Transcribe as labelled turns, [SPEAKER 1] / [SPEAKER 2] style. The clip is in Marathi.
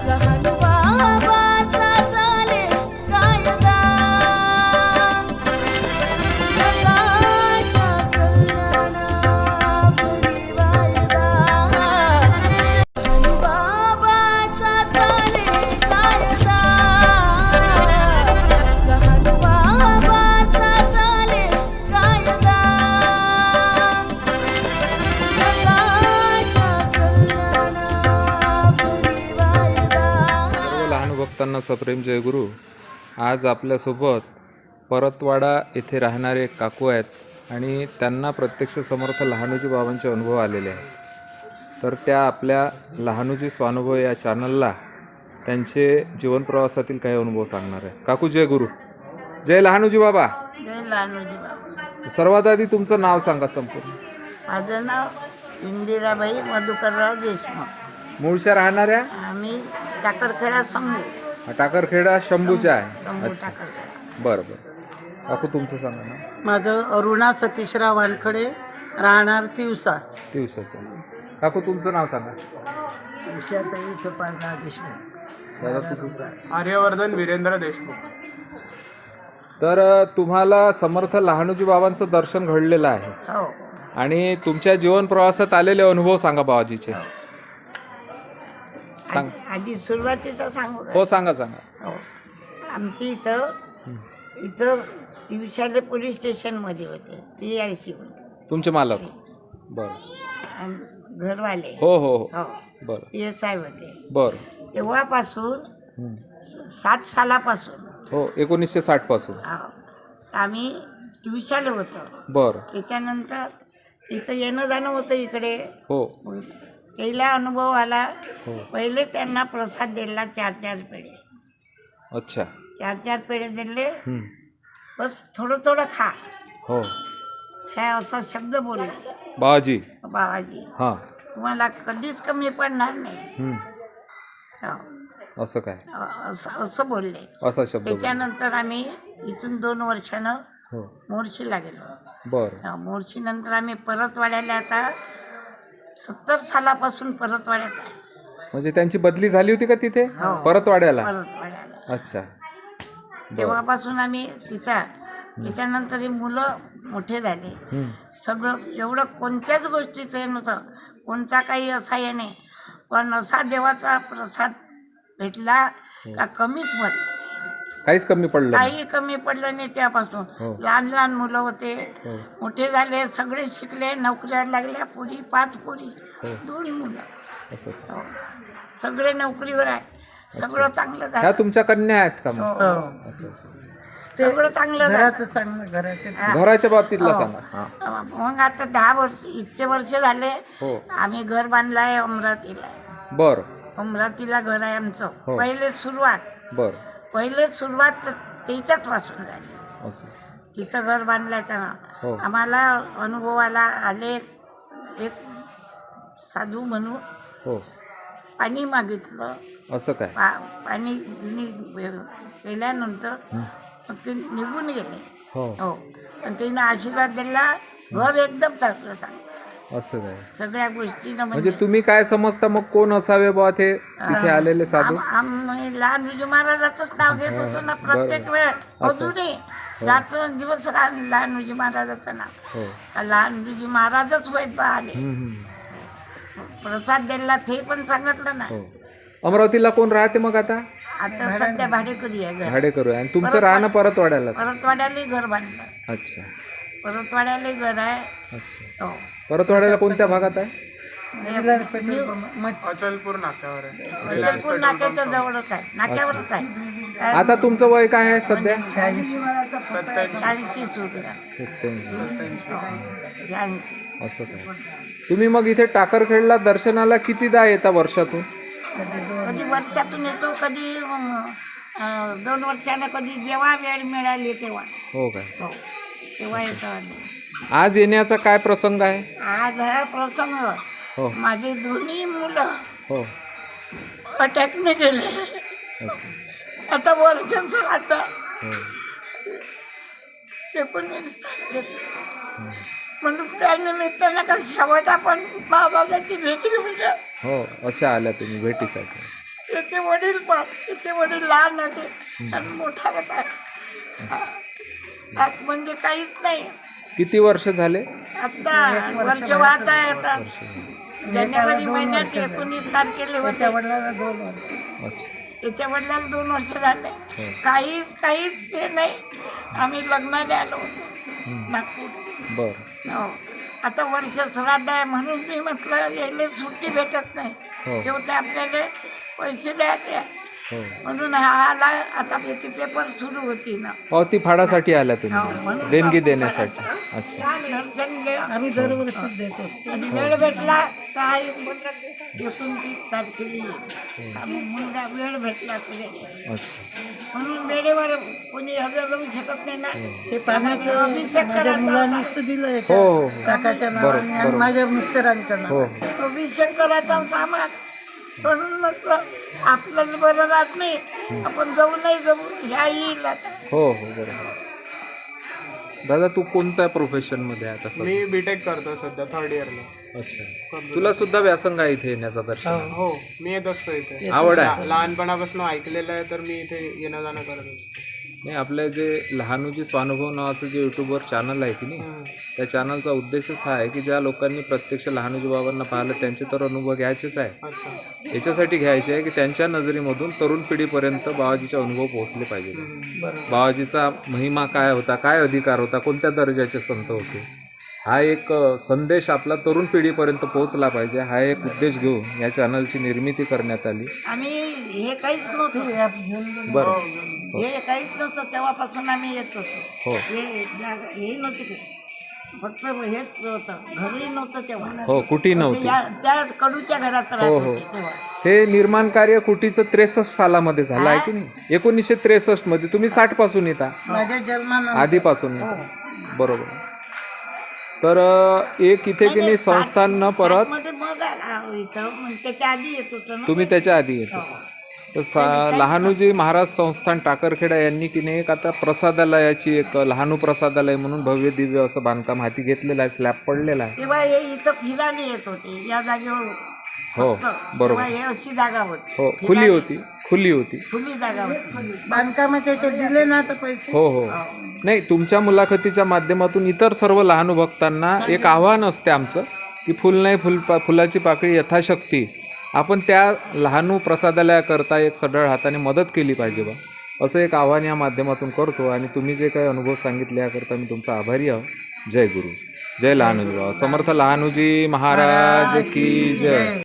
[SPEAKER 1] लहान बाबाचा चाले कायदा जगाच्या कल्याणापुरी वायदा लहान बाबाचा चाले कायदा लहान बाबाचा चाले कायदा
[SPEAKER 2] सर्व लहान भक्तांना सप्रेम जयगुरु. आज आपल्यासोबत परतवाडा येथे राहणारे एक काकू आहेत आणि त्यांना प्रत्यक्ष समर्थ लहानोजी बाबांचे अनुभव आलेले आहेत. तर त्या आपल्या लहानोजी स्वानुभव या चॅनलला त्यांचे जीवनप्रवासातील काही अनुभव सांगणार आहे. काकू जय गुरु. जय लहानोजी बाबा.
[SPEAKER 3] जय लहानोजी बाबा.
[SPEAKER 2] सर्वात आधी तुमचं नाव सांगा संपूर्ण.
[SPEAKER 3] माझं नाव इंदिराबाई मधुकरराव देशमुख.
[SPEAKER 2] मूळच्या राहणाऱ्या?
[SPEAKER 3] आम्ही टाकरखेडा समजू.
[SPEAKER 2] टाकरखेडा शंभूच्या आहे.
[SPEAKER 3] समजू
[SPEAKER 2] अच्छा,
[SPEAKER 3] टाकरखेडा.
[SPEAKER 2] बरं बरं. काकू तुमचं सांगा ना.
[SPEAKER 4] माझं अरुणा सतीशराव वानखडे, राहणार तिवसा.
[SPEAKER 2] दिवसाचं. काकू तुमचं नाव सांगा.
[SPEAKER 3] उषाताई सपारनाथ देशमुख.
[SPEAKER 2] दादा तुझं सांगा.
[SPEAKER 5] आर्यवर्धन वीरेंद्र देशमुख.
[SPEAKER 2] तर तुम्हाला समर्थ लहानोजी बाबांचं दर्शन घडलेलं आहे
[SPEAKER 3] हो.
[SPEAKER 2] आणि तुमच्या जीवन प्रवासात आलेले अनुभव सांगा बाबाजीचे. सांग.
[SPEAKER 3] आधी सुरुवातीचं सांगू का?
[SPEAKER 2] हो सांगा सांगा.
[SPEAKER 3] हो. आमची इथं तिवशाले पोलीस स्टेशनमध्ये होते. PIC होते
[SPEAKER 2] तुमचे मालक. बरं.
[SPEAKER 3] घरवाले.
[SPEAKER 2] हो हो हो.
[SPEAKER 3] हो.
[SPEAKER 2] बरं
[SPEAKER 3] PSI होते.
[SPEAKER 2] बरं.
[SPEAKER 3] तेव्हापासून
[SPEAKER 2] हं.
[SPEAKER 3] 60 सालापासून
[SPEAKER 2] हो 1960 पासून.
[SPEAKER 3] हो, आम्ही ट्युशाला होतो.
[SPEAKER 2] बरं.
[SPEAKER 3] त्याच्यानंतर इथं येणं जाणं होतं इकडे.
[SPEAKER 2] हो
[SPEAKER 3] पहिला अनुभव आला.
[SPEAKER 2] हो.
[SPEAKER 3] पहिले त्यांना प्रसाद दिला 4 पेढे.
[SPEAKER 2] अच्छा.
[SPEAKER 3] 4 पेढे दिले.
[SPEAKER 2] हं.
[SPEAKER 3] बस थोडं थोडं खा
[SPEAKER 2] हो
[SPEAKER 3] हे असा शब्द बोलले
[SPEAKER 2] बाबाजी.
[SPEAKER 3] बाबाजी.
[SPEAKER 2] हां.
[SPEAKER 3] तुम्हाला कधीच कमी पडणार नाही.
[SPEAKER 2] हं.
[SPEAKER 3] हो.
[SPEAKER 2] असं काय?
[SPEAKER 3] असं बोलले.
[SPEAKER 2] असा शब्द बोलला.
[SPEAKER 3] त्याच्यानंतर आम्ही इथून 2 वर्षानं
[SPEAKER 2] हो.
[SPEAKER 3] मोर्शीला गेलो.
[SPEAKER 2] बरं.
[SPEAKER 3] मोर्शीनंतर आम्ही परतवाड्याला आता 70 सालापासून परतवाड्यात आहे.
[SPEAKER 2] म्हणजे त्यांची बदली झाली होती का तिथे?
[SPEAKER 3] हो.
[SPEAKER 2] परतवाड्याला.
[SPEAKER 3] परतवाड्याला
[SPEAKER 2] अच्छा.
[SPEAKER 3] तेव्हापासून आम्ही तिथं. त्याच्यानंतर ही मुलं मोठे झाले.
[SPEAKER 2] हं.
[SPEAKER 3] सगळं एवढं कोणत्याच गोष्टीचं हे नव्हतं. कोणता काही असा हे नाही. पण असा देवाचा प्रसाद भेटला का कमीच पडलं.
[SPEAKER 2] काहीच कमी पडलं नाही.
[SPEAKER 3] काही कमी पडलं नाही त्यापासून.
[SPEAKER 2] हो.
[SPEAKER 3] लहान लहान मुलं होते.
[SPEAKER 2] हो.
[SPEAKER 3] मोठे झाले. सगळे शिकले. नोकऱ्या लागल्या. पुरी 5 पुरी.
[SPEAKER 2] हो.
[SPEAKER 3] 2 मुलं.
[SPEAKER 2] असं.
[SPEAKER 3] हो. सगळे नोकरीवर आहे. सगळं चांगलं
[SPEAKER 2] ह्या
[SPEAKER 3] झालं.
[SPEAKER 2] तुमच्या कन्या आहेत का मग?
[SPEAKER 3] हो.
[SPEAKER 2] असं असं.
[SPEAKER 3] सगळं चांगलं झालं.
[SPEAKER 4] घराचं सांग, घराचं.
[SPEAKER 3] हा.
[SPEAKER 2] घराच्या बाबतीतला
[SPEAKER 3] हो.
[SPEAKER 2] सांगा. हां.
[SPEAKER 3] मग आता 10 वर्ष इतके वर्ष झाले.
[SPEAKER 2] हो.
[SPEAKER 3] आम्ही घर बांधलं आहे अमरावतीला.
[SPEAKER 2] बरं
[SPEAKER 3] अमरावतीला घर आहे आमचं.
[SPEAKER 2] हो.
[SPEAKER 3] पहिले सुरुवात त्याच्याच पासून झाली.
[SPEAKER 2] असं.
[SPEAKER 3] तिथं घर बांधल्याचं ना
[SPEAKER 2] हो.
[SPEAKER 3] आम्हाला अनुभवाला आले. एक साधू म्हणून
[SPEAKER 2] हो.
[SPEAKER 3] पाणी मागितलं.
[SPEAKER 2] असं काय?
[SPEAKER 3] पाणी केल्यानंतर मग ते निघून गेले.
[SPEAKER 2] हो.
[SPEAKER 3] हो. पण त्यानं आशीर्वाद दिला. घर एकदम चांगलं चांगलं.
[SPEAKER 2] असं काय?
[SPEAKER 3] सगळ्या गोष्टीनं
[SPEAKER 2] म्हणजे तुम्ही काय समजता मग कोण असावे बा ते तिथे आलेले साधू?
[SPEAKER 3] आम्ही लहानोजी महाराजाचंच नाव घेत होतो ना प्रत्येक वेळेस. अजूनही रात्र दिवस लहानोजी महाराजाचं नाव.
[SPEAKER 2] हो.
[SPEAKER 3] लहानोजी महाराजच होत बा आले.
[SPEAKER 2] हं, हं.
[SPEAKER 3] प्रसाद दिला ते पण सांगितलं ना.
[SPEAKER 2] हो. अमरावतीला कोण राहते मग आता?
[SPEAKER 3] आता सध्या भाडेकरी आहे घर.
[SPEAKER 2] भाडेकरू आहे. आणि तुमचं राहणं परतवाड्याला?
[SPEAKER 3] परतवाड्यालाही घर बांधलं.
[SPEAKER 2] अच्छा.
[SPEAKER 3] परतवाड्यालाही घर आहे.
[SPEAKER 2] अच्छा.
[SPEAKER 3] हो.
[SPEAKER 2] परतवाड्याला कोणत्या भागात आहे?
[SPEAKER 5] अचलपूर नाक्यावर आहे.
[SPEAKER 3] अचलपूर नाक्याच्या जवळच आहे. नाक्यावरच आहे.
[SPEAKER 2] आता तुमचं वय काय आहे सध्या?
[SPEAKER 3] 80 सुरू आहे.
[SPEAKER 2] 87.
[SPEAKER 3] 80.
[SPEAKER 2] असं काय? तुम्ही मग इथे टाकरखेडला दर्शनाला कितीदा येता वर्षातून?
[SPEAKER 3] कधी वर्षातून येतो. कधी 2 वर्षाला. कधी जेव्हा वेळ मिळाली तेव्हा.
[SPEAKER 2] हो काय?
[SPEAKER 3] हो. तेव्हा येतो आम्ही.
[SPEAKER 2] आज येण्याचा काय प्रसंग आहे?
[SPEAKER 3] आज हा प्रसंग.
[SPEAKER 2] हो.
[SPEAKER 3] माझे दोन्ही मुलं
[SPEAKER 2] हो.
[SPEAKER 3] अटॅकने गेले.
[SPEAKER 2] असं.
[SPEAKER 3] आता वर्षाचं आता
[SPEAKER 2] हो.
[SPEAKER 3] 19 म्हणून त्या निमित्तानं का शेवट आपण बाबाची भेट घेऊया.
[SPEAKER 2] हो. अशा आल्या तुम्ही भेटीसाठी?
[SPEAKER 3] त्याचे वडील पण त्याचे वडील लहान होते आणि मोठा होता. आज म्हणजे काहीच नाही.
[SPEAKER 2] किती वर्ष झाले?
[SPEAKER 3] आता वर्ष वाहत आहे. आता जानेवारी महिन्यात 19 तारखेला होते.
[SPEAKER 4] वडिलांना 2 वर्ष.
[SPEAKER 2] अच्छा.
[SPEAKER 3] त्याच्या वडिलांना 2 वर्ष झाले. काहीच ते नाही. आम्ही लग्नाला आलो होतो नागपूर.
[SPEAKER 2] बरं.
[SPEAKER 3] हो. आता वर्ष श्राद्ध आहे म्हणून मी म्हटलं यायला सुट्टी भेटत नाही.
[SPEAKER 2] हो.
[SPEAKER 3] शेवटी आपल्याला पैसे द्यायचे
[SPEAKER 2] हो.
[SPEAKER 3] म्हणून हा आला. आता त्याची पेपर सुरू होती ना.
[SPEAKER 2] पावती फाडासाठी आल्या
[SPEAKER 3] हो,
[SPEAKER 2] तुम्ही,
[SPEAKER 3] म्हणून
[SPEAKER 2] देणगी देण्यासाठी. अच्छा.
[SPEAKER 4] आम्ही दरवर्षीच देतो.
[SPEAKER 3] आणि वेळ भेटला काय 29 तारखेला येईल. मुलगा वेळ भेटला तुझे
[SPEAKER 2] अच्छा.
[SPEAKER 3] म्हणून वेळेवर कोणी हजर राहू शकत नाही ना.
[SPEAKER 4] हे पाण्याचं
[SPEAKER 3] अभिषेक
[SPEAKER 4] माझ्या
[SPEAKER 3] करायचा
[SPEAKER 4] मुलांनीच तर दिलं
[SPEAKER 2] हो
[SPEAKER 4] एका
[SPEAKER 2] हो हो.
[SPEAKER 4] काकाच्या नावाने आणि माझ्या मिस्टरांचं नाव.
[SPEAKER 2] हो
[SPEAKER 3] होता. अभिषेक करायचा सामान म्हणून म्हटलं आपल्याला बरं राहत नाही. आपण जाऊ नाही जाऊ ह्या येईल आता.
[SPEAKER 2] हो हो बरोबर. दादा तू कोणत्या प्रोफेशन मध्ये आहे तसं?
[SPEAKER 5] मी बीटेक करतो सध्या 3rd इयरला.
[SPEAKER 2] अच्छा. तुला सुद्धा व्यासंग आहे इथे येण्याचा दर्शन?
[SPEAKER 5] हो, मी येत असतो इथे.
[SPEAKER 2] आवड आहे?
[SPEAKER 5] लहानपणापासून ऐकलेलं आहे तर मी इथे येणं जाणं करत असतो.
[SPEAKER 2] नाही, आपलं जे लहानूजी स्वानुभव नावाचं जे युट्यूबवर चॅनल आहे की नाही, त्या चॅनलचा उद्देशच हा आहे की ज्या लोकांनी प्रत्यक्ष लहानूजी बाबांना पाहिलं त्यांचे तर अनुभव घ्यायचेच आहे.
[SPEAKER 5] अच्छा.
[SPEAKER 2] याच्यासाठी घ्यायचे आहे की त्यांच्या नजरेमधून तरुण पिढीपर्यंत बाबाजीचे अनुभव पोहोचले पाहिजे. बाबाजीचा महिमा काय होता, काय अधिकार होता, कोणत्या दर्जाचे संत होते, हा एक संदेश आपला तरुण पिढीपर्यंत पोहोचला पाहिजे. हा एक उद्देश घेऊन या चॅनलची निर्मिती करण्यात आली.
[SPEAKER 3] आणि हे काहीच नव्हतं.
[SPEAKER 2] बरं.
[SPEAKER 3] हे काहीच नव्हतं तेव्हापासून आम्ही येत होतो.
[SPEAKER 2] हो
[SPEAKER 3] हे जागा हे नव्हते ते. फक्त हेच होतं. घरही नव्हतं तेव्हा.
[SPEAKER 2] हो, कुठे नव्हती.
[SPEAKER 3] त्या कडूच्या घरात राहत
[SPEAKER 2] हो हो.
[SPEAKER 3] होते तेव्हा.
[SPEAKER 2] हे निर्माण कार्य कुटीचं 63 सालामध्ये झालं आहे की नाही? 1963 मध्ये. तुम्ही 60 पासून येता,
[SPEAKER 4] माझ्या जन्मानं
[SPEAKER 2] आधीपासून येता. बरोबर. तर एक इथे की नाही संस्थांना परत
[SPEAKER 3] मध्ये मग आला इथं. मग त्याच्या आधी येत होतं ना.
[SPEAKER 2] तुम्ही त्याच्या आधी येतो. तर लहानूजी महाराज संस्थान टाकरखेडा यांनी की नाही एक आता प्रसादालयाची एक लहानू प्रसादालय म्हणून भव्य दिव्य असं बांधकाम हाती घेतलेलं आहे. स्लॅब पडलेला आहे.
[SPEAKER 3] तेव्हा हे इथं फिरायला येत होते या जागेवर.
[SPEAKER 2] हो
[SPEAKER 3] तेव्हा
[SPEAKER 2] बरोबर.
[SPEAKER 3] हे अशी जागा होती.
[SPEAKER 2] हो, खुली होती, खुली होती.
[SPEAKER 3] खुली जागा होती.
[SPEAKER 4] बांधकामाचे ते दिले ना आता पैसे.
[SPEAKER 2] हो हो. नाही, तुमच्या मुलाखतीच्या माध्यमातून इतर सर्व लहानू भक्तांना एक आव्हान असते आमचं की फुल नाही फुलाची पाकळी यथाशक्ती आपण त्या लहानू प्रसादालयाकरता एक सढळ हाताने मदत केली पाहिजे बा, असं एक आव्हान या माध्यमातून करतो. आणि तुम्ही जे काही अनुभव सांगितले याकरता मी तुमचा आभारी आहो. जय गुरु, जय लहानूजी बाबा. समर्थ लहानूजी महाराज की जय.